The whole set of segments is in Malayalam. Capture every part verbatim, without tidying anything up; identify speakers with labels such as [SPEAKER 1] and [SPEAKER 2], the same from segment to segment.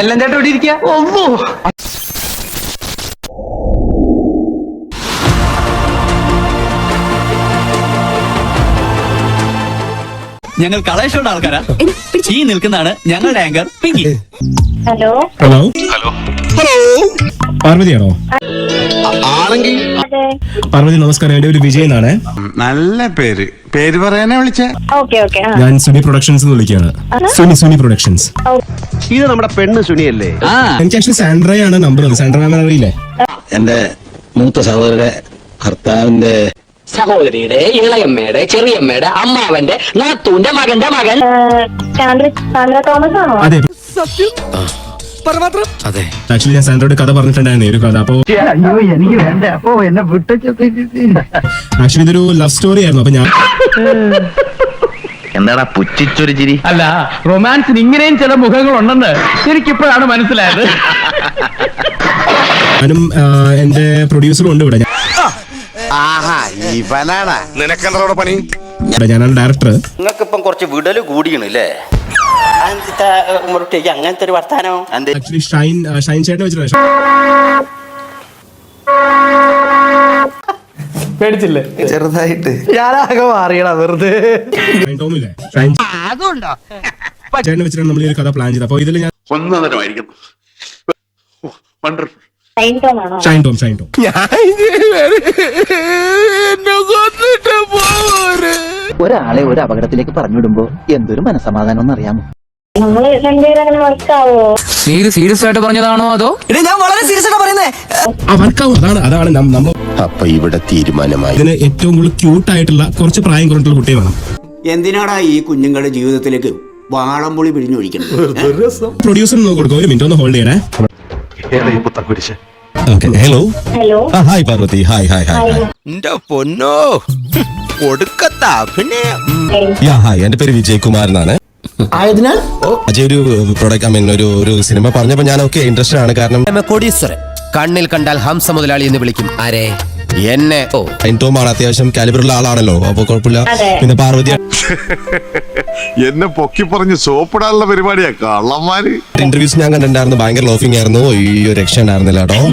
[SPEAKER 1] എല്ലാം ചേട്ടൻ ഇവിടെ ഇരിക്കുക.
[SPEAKER 2] ഞങ്ങൾ കളേഷോടെ ആൾക്കാരാ. ഈ നിൽക്കുന്നതാണ് ഞങ്ങളുടെ anchor Pinky.
[SPEAKER 3] Hello
[SPEAKER 4] hello
[SPEAKER 5] hello
[SPEAKER 4] hello പാർവതിയാണോ?
[SPEAKER 5] ആണെങ്കിൽ
[SPEAKER 4] പാർവതി നമസ്കാരം, എന്റെ ഒരു വിജയ് എന്നാണ്.
[SPEAKER 5] നല്ല പേര് പേര് പറയാനാ വിളിച്ചേ.
[SPEAKER 3] ഓക്കെ ഓക്കെ
[SPEAKER 4] ഞാൻ സുനി പ്രൊഡക്ഷൻസ് വിളിക്കുകയാണ്. സുനി സുനി പ്രൊഡക്ഷൻസ്.
[SPEAKER 1] ഇത് നമ്മുടെ പെണ്ണ് സുനിയല്ലേ?
[SPEAKER 2] ആ
[SPEAKER 4] എനിക്ക് ആക്ച്വലി സാൻഡ്രയാണ് നമ്പർ. സാൻഡ്ര മാം അറിയില്ലേ?
[SPEAKER 6] എന്റെ മൂത്ത സഹോദരന്റെ ഭർത്താവിന്റെ
[SPEAKER 7] സഹോദരിയുടെ ഇളയമ്മയുടെ ചെറിയമ്മയുടെ അമ്മാവന്റെ നാത്തൂന്റെ മകന്റെ മകൻ
[SPEAKER 3] സാന്ദ്ര തോമസ് ആണോ?
[SPEAKER 4] അതെ,
[SPEAKER 6] അതെ.
[SPEAKER 4] ആക്ച്വലി ഞാൻ സാൻഡ്രയോട് കഥ പറഞ്ഞിട്ടുണ്ടായിരുന്നു ഒരു കഥ. അപ്പൊ
[SPEAKER 1] എനിക്ക് വേണ്ട. അപ്പൊ എന്നെ വിട്ടു.
[SPEAKER 4] ആക്ച്വലി ഇതൊരു ലവ് സ്റ്റോറി ആയിരുന്നു. അപ്പൊ ഞാൻ
[SPEAKER 6] എന്താടാ പുച്ഛിച്ചൊരു ചിരി?
[SPEAKER 1] അല്ല, റൊമാൻസിന് ഇങ്ങനെയും ചില മുഖങ്ങളുണ്ടെന്ന് എനിക്കിപ്പോഴാണ് മനസ്സിലായത്.
[SPEAKER 4] ഞാനും എന്റെ പ്രൊഡ്യൂസറും ഉണ്ട് ഇവിടെ.
[SPEAKER 5] ഇവനാണ് നിനക്കെന്താ പണി?
[SPEAKER 4] ഞാനാണ് ഡയറക്ടർ.
[SPEAKER 6] നിങ്ങൾക്കിപ്പം കുറച്ച് വിടല് കൂടിയണല്ലേ? അങ്ങനത്തെ ഒരു വർത്താനോ?
[SPEAKER 4] ആക്ച്വലി ഷൈൻ ഷൈൻ ചേട്ടനെ വെച്ചിട്ടുണ്ട്.
[SPEAKER 1] പേടിച്ചില്ലേ?
[SPEAKER 6] ചെറുതായിട്ട്
[SPEAKER 1] ഞാനാകെ മാറിയടാ വെറുതെ.
[SPEAKER 4] ഷൈൻ ടോമില്ലേ? ഷൈൻ ചേട്ടനെ വെച്ചിട്ടാണ് നമ്മൾ ഈ ഒരു കഥ പ്ലാൻ ചെയ്തത്. അപ്പൊ ഇതിൽ ഞാൻ
[SPEAKER 5] ഒന്നതരമായിരിക്കും. വണ്ടർഫുൾ.
[SPEAKER 4] ഷൈൻ ടോം ഷൈൻ ടോം
[SPEAKER 7] ഒരാളെ ഒരു അപകടത്തിലേക്ക് പറഞ്ഞുവിടുമ്പോ എന്തൊരു മനസമാധാനം എന്നറിയാമോ?
[SPEAKER 3] നമ്മള് രണ്ടുപേരും അങ്ങനെ വർക്കാവോ?
[SPEAKER 2] സീരിയസ് ആയിട്ട് പറഞ്ഞതാണോ അതോ?
[SPEAKER 7] ഞാൻ വളരെ സീരിയസ് ആയിട്ട് പറയുന്നേ.
[SPEAKER 4] അവർക്കാവും. അതാണ് അതാണ് നമ്മൾ
[SPEAKER 6] അപ്പൊ ഇവിടെ തീരുമാനമായി.
[SPEAKER 4] ഇതിന് ഏറ്റവും കൂടുതൽ ക്യൂട്ട് ആയിട്ടുള്ള കുറച്ച് പ്രായം കുറഞ്ഞിട്ടുള്ള കുട്ടിയെ വേണം.
[SPEAKER 8] എന്തിനാടാ ഈ കുഞ്ഞുങ്ങളുടെ ജീവിതത്തിലേക്ക് വാളംപുളി പിഴിഞ്ഞൊഴിക്കുന്നത്?
[SPEAKER 4] പ്രൊഡ്യൂസർ നോക്കി കൊടുക്കും. ഒരു മിനിറ്റ് ഒന്ന് ഹോൾഡ് ചെയ്യണേ.
[SPEAKER 6] Hello
[SPEAKER 3] hello
[SPEAKER 6] hi Parvathi. Hi hi hi.
[SPEAKER 8] എന്റെ പൊന്നോ കൊടുക്കത്ത അഭിനയം.
[SPEAKER 6] യാ ഹായ്, എന്റെ പേര് വിജയ് കുമാർ എന്നാണ്.
[SPEAKER 8] ആയതിനാൽ
[SPEAKER 6] അജയ് ഒരു പ്രൊഡക്റ്റ് ഐ മീൻ ഒരു ഒരു സിനിമ പറഞ്ഞപ്പോ ഞാൻ ഓക്കെ ഇൻട്രസ്റ്റഡ് ആണ്. കാരണം
[SPEAKER 7] കോടീശ്വരൻ കണ്ണിൽ കണ്ടാൽ ഹംസ മുതലാളി എന്ന് വിളിക്കും. ആരെ? എന്നെ. ഓ
[SPEAKER 6] ഷൈൻ ടോം ആണ്, അത്യാവശ്യം കാലിബറുള്ള ആളാണല്ലോ. അപ്പൊ കുഴപ്പമില്ല.
[SPEAKER 3] അതെ.
[SPEAKER 6] പിന്നെ പാർവതി
[SPEAKER 5] എന്നെ പൊക്കി പറഞ്ഞ് സോപ്പിടാനുള്ള പരിപാടിയാ കള്ളന്മാര്.
[SPEAKER 6] ഇന്റർവ്യൂസ് ഞാൻ കണ്ടിട്ടുണ്ടായിരുന്നു. ഭയങ്കര ലോഫിംഗ് ആയിരുന്നു. ഈ ഒരു രക്ഷ ഉണ്ടായിരുന്നില്ല കേട്ടോ.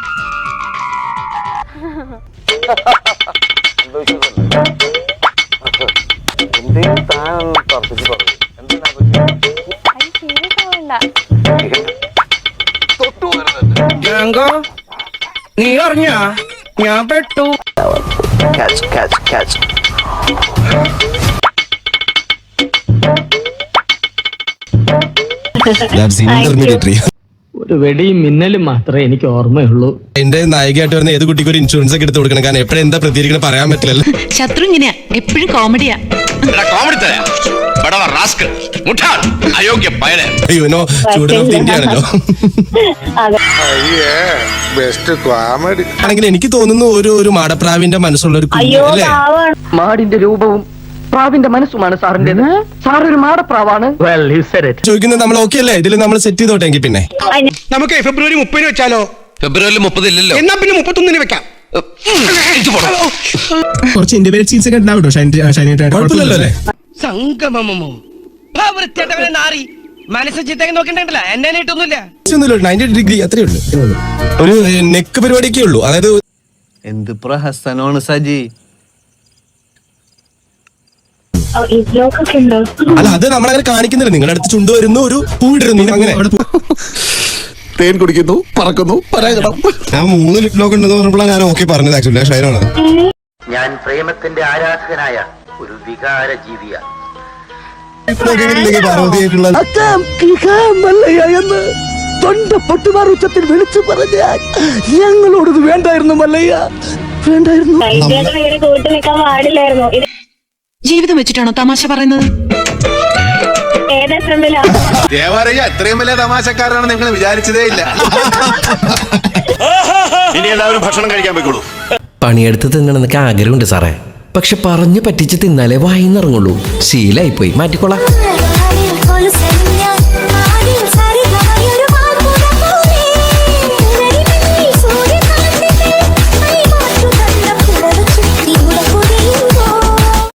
[SPEAKER 1] നീ അറിഞ്ഞ ഞാൻ പെട്ടു.
[SPEAKER 6] ഇന്റർമീഡിയറ്റ്.
[SPEAKER 1] ഒരു വെടിയും മിന്നലും മാത്രമേ എനിക്ക് ഓർമ്മയുള്ളൂ.
[SPEAKER 6] എന്റെ നായികയായിട്ട് വരുന്ന ഏത് കുട്ടിക്ക് ഒരു ഇൻഷുറൻസ് ഒക്കെ എടുത്ത് കൊടുക്കണം. കാരണം എപ്പോഴും എന്താ പ്രതികരിക്കണം പറയാൻ പറ്റില്ലല്ലോ.
[SPEAKER 9] ശത്രു ഇങ്ങനെയാ, എപ്പോഴും കോമഡിയാ.
[SPEAKER 6] യുനോ സ്റ്റുഡന്റ് ഓഫ് ഇന്ത്യ ആണല്ലോ.
[SPEAKER 5] ബെസ്റ്റ് കോമഡി
[SPEAKER 6] ആണെങ്കിൽ എനിക്ക് തോന്നുന്നു ഒരു ഒരു മാടപ്രാവിന്റെ മനസ്സുള്ള ഒരു കുഞ്ഞ്
[SPEAKER 3] അയ്യോ
[SPEAKER 6] അല്ലേ?
[SPEAKER 3] പാവാണ്.
[SPEAKER 7] മാടിന്റെ രൂപവും പ്രാവിന്റെ മനസ്സുമാണ് സാറിന്റേത്. സാർ ഒരു മാടപ്രാവാണ്.
[SPEAKER 1] Well, you said it.
[SPEAKER 6] ചോദിക്കുന്നത് നമ്മൾ ഓക്കെ അല്ലേ? ഇതിൽ നമ്മൾ സെറ്റ് ചെയ്തോട്ടെങ്കിൽ പിന്നെ
[SPEAKER 8] നമുക്ക് ഫെബ്രുവരി മുപ്പതിന് വെച്ചാലോ?
[SPEAKER 6] ഫെബ്രുവരി മുപ്പതില്ലല്ലോ.
[SPEAKER 8] എന്നാ പിന്നെ മുപ്പത്തൊന്നിന് വെക്കാം.
[SPEAKER 4] കുറച്ച് ഇന്റിമേറ്റ് സീൻസ് ഒക്കെ ഉണ്ടാവും കേട്ടോ. ഷൈൻ ഷൈനായിട്ട്
[SPEAKER 6] കുഴപ്പമില്ലല്ലോ അല്ലേ?
[SPEAKER 8] സംഗമമോ നാറി മനസ്സ് ചിത്തേക്ക് നോക്കണ്ടല്ല. എന്നെ ഇട്ടൊന്നുമില്ല.
[SPEAKER 6] നയൻറ്റി ഡിഗ്രി അത്രേ ഉള്ളൂ. ഒരു നെക്ക് പരിപാടിയൊക്കെ ഉള്ളൂ. അതായത്
[SPEAKER 1] എന്ത് പ്രഹസനമാണ് സജി.
[SPEAKER 3] ഇതിലൊക്കെ ഉണ്ടോ?
[SPEAKER 6] അല്ല, അത് നമ്മളങ്ങനെ കാണിക്കുന്നില്ല. നിങ്ങളുടെ അടുത്ത് ചുണ്ടു വരുന്നു, ഒരു പൂവിടുന്നു, അങ്ങനെ
[SPEAKER 5] തേൻ കുടിക്കുന്നു, പറക്കുന്നു, പരാഗണം.
[SPEAKER 6] ഞാൻ മൂന്ന് ലിപ് ലോക്ക് ഉണ്ടെന്ന് പറഞ്ഞപ്പോഴാണ് ഞാൻ ഓക്കെ പറഞ്ഞത്. ആക്ച്വലി ഷൈനാണ്.
[SPEAKER 7] ഞാൻ പ്രേമത്തിന്റെ ആരാധകനായ ഒരു വികാര ജീവിയാണ്.
[SPEAKER 6] പാർവതിയായിട്ടുള്ള
[SPEAKER 7] എന്ന് തൊണ്ട പൊട്ടുമാർ ഉച്ചത്തിൽ വിളിച്ചു പറഞ്ഞാൽ ഞങ്ങളോടത് വേണ്ടായിരുന്നു മല്ലയ്യ, വേണ്ടായിരുന്നു.
[SPEAKER 3] ഇങ്ങനെ കൂട്ടി നിൽക്കാൻ പാടില്ലായിരുന്നു. ഇത്
[SPEAKER 9] ജീവിതം വെച്ചിട്ടാണോ തമാശ പറയുന്നത്?
[SPEAKER 3] ഏത് എത്രമില്ല
[SPEAKER 5] ദേവാലയ ഇത്രയും വലിയ തമാശക്കാരാണ് നിങ്ങൾ വിചാരിച്ചതേ ഇല്ല. ഇനി എല്ലാവരും ഭക്ഷണം കഴിക്കാൻ പോയിക്കോളൂ.
[SPEAKER 7] പണിയെടുത്ത് തിന്നണമെന്നൊക്കെ ആഗ്രഹമുണ്ട് സാറേ. പക്ഷെ പറഞ്ഞു പറ്റിച്ച് തിന്നാലേ വായിന്നിറങ്ങുള്ളൂ. ശീലായിപ്പോയി, മാറ്റിക്കോളാം.